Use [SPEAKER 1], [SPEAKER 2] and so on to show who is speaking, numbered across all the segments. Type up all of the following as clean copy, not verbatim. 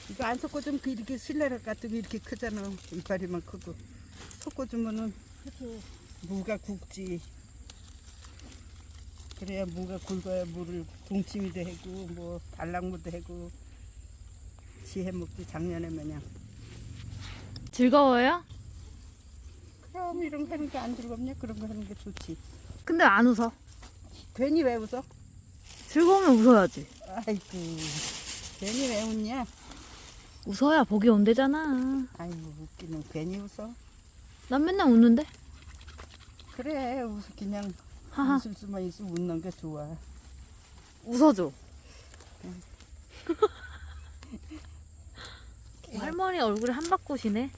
[SPEAKER 1] 이거 안 섞어주면 이렇게 실내락 같은 게 이렇게 크잖아. 이파리만 크고. 섞어주면은 무가 굵지. 그래야 무가 굵어야 무를 동치미도 해고 뭐 달랑무도 해고 지해 먹지 작년에 마냥.
[SPEAKER 2] 즐거워요?
[SPEAKER 1] 그럼 이런 거 하는 게 안 즐겁냐? 그런 거 하는 게 좋지.
[SPEAKER 2] 근데 안 웃어.
[SPEAKER 1] 괜히 왜 웃어?
[SPEAKER 2] 즐거우면 웃어야지.
[SPEAKER 1] 아이고 괜히 왜 웃냐?
[SPEAKER 2] 웃어야 복이 온대잖아.
[SPEAKER 1] 아이고 웃기는 괜히 웃어.
[SPEAKER 2] 난 맨날 웃는데?
[SPEAKER 1] 그래 웃어 그냥
[SPEAKER 2] 하하.
[SPEAKER 1] 웃을 수만 있으면 웃는 게 좋아.
[SPEAKER 2] 웃어줘. 할머니 얼굴에 한바꽃이네.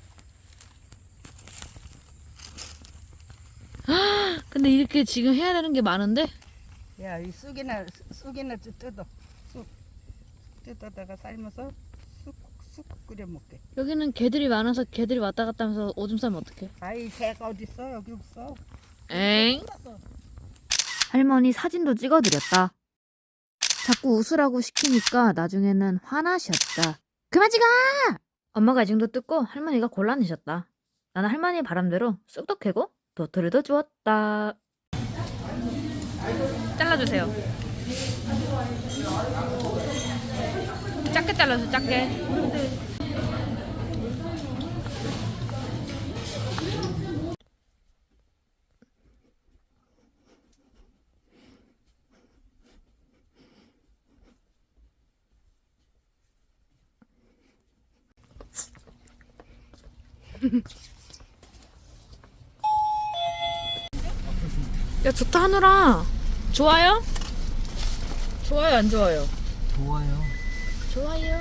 [SPEAKER 2] 근데 이렇게 지금 해야 되는 게 많은데?
[SPEAKER 1] 야, 이 쑥이나 좀 뜯어. 쑥 뜯어다가 삶아서 쑥 끓여 먹게.
[SPEAKER 2] 여기는 개들이 많아서 개들이 왔다 갔다 하면서 오줌 싸면 어떡해?
[SPEAKER 1] 아이 개가 어디 있어? 여기 없어.
[SPEAKER 2] 엥? 할머니 사진도 찍어드렸다. 자꾸 웃으라고 시키니까 나중에는 화나셨다. 그만 찍어! 엄마가 이 정도 뜯고 할머니가 곤란해졌다. 나는 할머니 바람대로 쑥도 캐고 도토리도 주웠다. 잘라주세요. 작게 잘라서 작게. 야 좋다 하늘아. 좋아요? 좋아요 안 좋아요?
[SPEAKER 3] 좋아요.
[SPEAKER 2] 좋아요.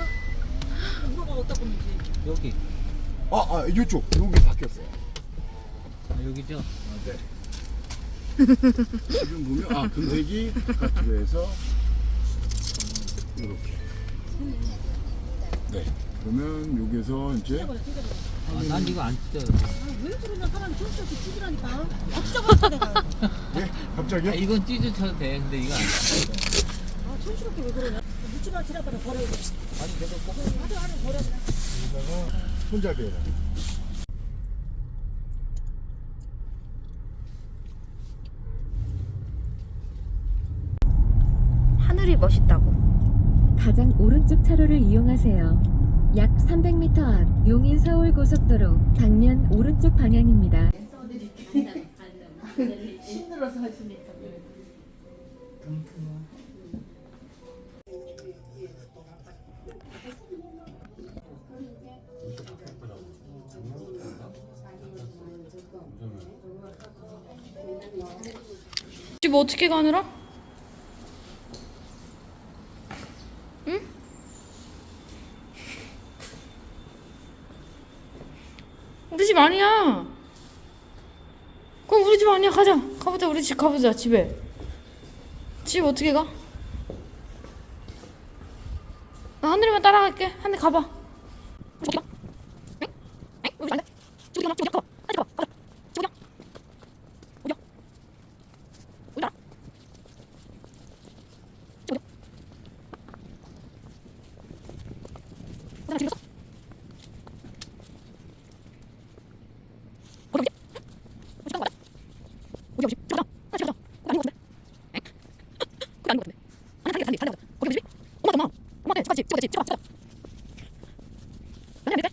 [SPEAKER 3] 여기.
[SPEAKER 4] 이쪽 여기 바뀌었어요.
[SPEAKER 3] 여기죠?
[SPEAKER 4] 네. 지금 보면 금색이 바깥으로 해서 이렇게. 네. 그러면 여기서 이제
[SPEAKER 3] 난 이거 안 뜯어요.
[SPEAKER 5] 왜 그러냐 사람이 촌스럽게 찢으라니까 찢어버렸어 내가
[SPEAKER 4] 갑자기요?
[SPEAKER 3] 이건 찢어쳐도 돼. 근데 이거 안 뜯어요.
[SPEAKER 5] 촌스럽게 왜 그러냐 묻지마 지나가다 버려야 돼
[SPEAKER 3] 아니 내가 꼭
[SPEAKER 5] 하루 버려
[SPEAKER 4] 여기다가 손잡이에다.
[SPEAKER 2] 하늘이 멋있다고.
[SPEAKER 6] 가장 오른쪽 차로를 이용하세요. 약 300m 앞 용인 서울 고속도로 방면 오른쪽 방향입니다.
[SPEAKER 5] 힘들어서 하시니까
[SPEAKER 2] 집 어떻게 가느라? 응? 우리 집 아니야. 그럼 우리 집 아니야. 가자. 가보자. 우리 집 가보자. 집에. 집 어떻게 가? 나 하늘이만 따라갈게. 하늘 가봐. 저기 가. 응? 응? 우리 집 아닌데? 저기 가봐. 저기 가봐. 빨리 가봐. 가자. 저기 가. 어디야? 어디야? 저기 가. 나 지금 있어? 어디 어디? 어디 간 거야? 어디 어디? 저기다. 나 저기다. 거기 아닌 것 같은데? 엥? 거기 아닌 것 같은데? 아니 달리 달리. 거기 어디 집? 엄마 엄마한테 같이 찍어 찍어 찍어. 아니 안 돼.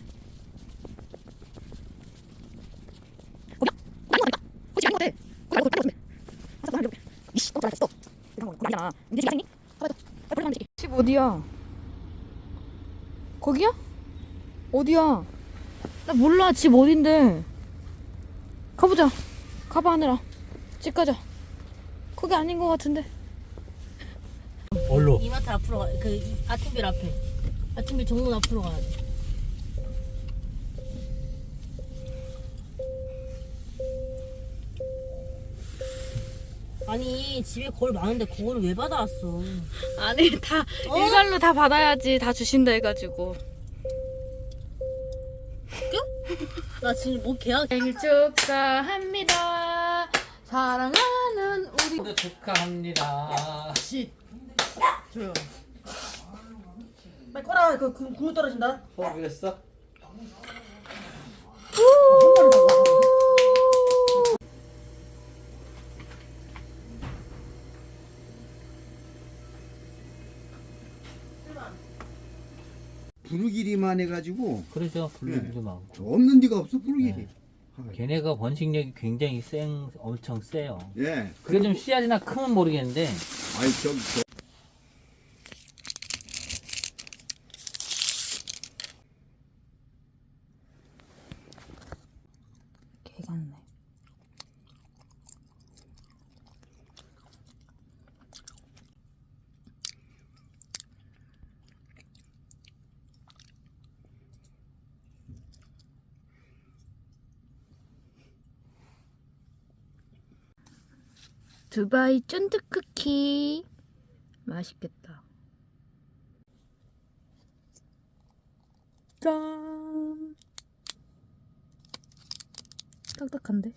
[SPEAKER 2] 거기야? 아닌 거 같다니까. 거기 아닌 것 같아. 거기 알고 다른 것 같은데. 아 잠깐 한 이씨 또 잘했어. 이상한 거 아니잖아. 니네 집 아니니? 빨리 빨리 가면 되지. 집 어디야? 거기야? 어디야? 나 몰라. 집 어딘데? 가보자. 가봐 하늘아. 집 가자. 거기 아닌 것 같은데.
[SPEAKER 3] 얼로.
[SPEAKER 5] 이마트 앞으로 그 아침빌 앞에 아침빌 정문 앞으로 가야 돼 아니 집에 거울 많은데 그거를 왜 받아왔어
[SPEAKER 2] 아니 다 일괄로 다 받아야지. 다 주신다 해가지고.
[SPEAKER 5] 나 지금 뭐 계약
[SPEAKER 2] 생일 축하합니다. 사랑하는 우리.
[SPEAKER 3] 축하합니다.
[SPEAKER 5] 씨 조용
[SPEAKER 1] 빨리 꺼라. 그 굶어 떨어진다.
[SPEAKER 3] 포기했어?
[SPEAKER 7] 부르기리만 해가지고
[SPEAKER 3] 그러죠. 블루기도 많고.
[SPEAKER 7] 없는 데가 없어 부르기리.
[SPEAKER 3] 네. 걔네가 번식력이 굉장히 엄청 세요.
[SPEAKER 7] 예.
[SPEAKER 3] 그게 좀 씨앗이나 크면 모르겠는데
[SPEAKER 7] 아이 저
[SPEAKER 1] 개 같네.
[SPEAKER 2] 두바이 쫀득 쿠키 맛있겠다. 짠. 딱딱한데?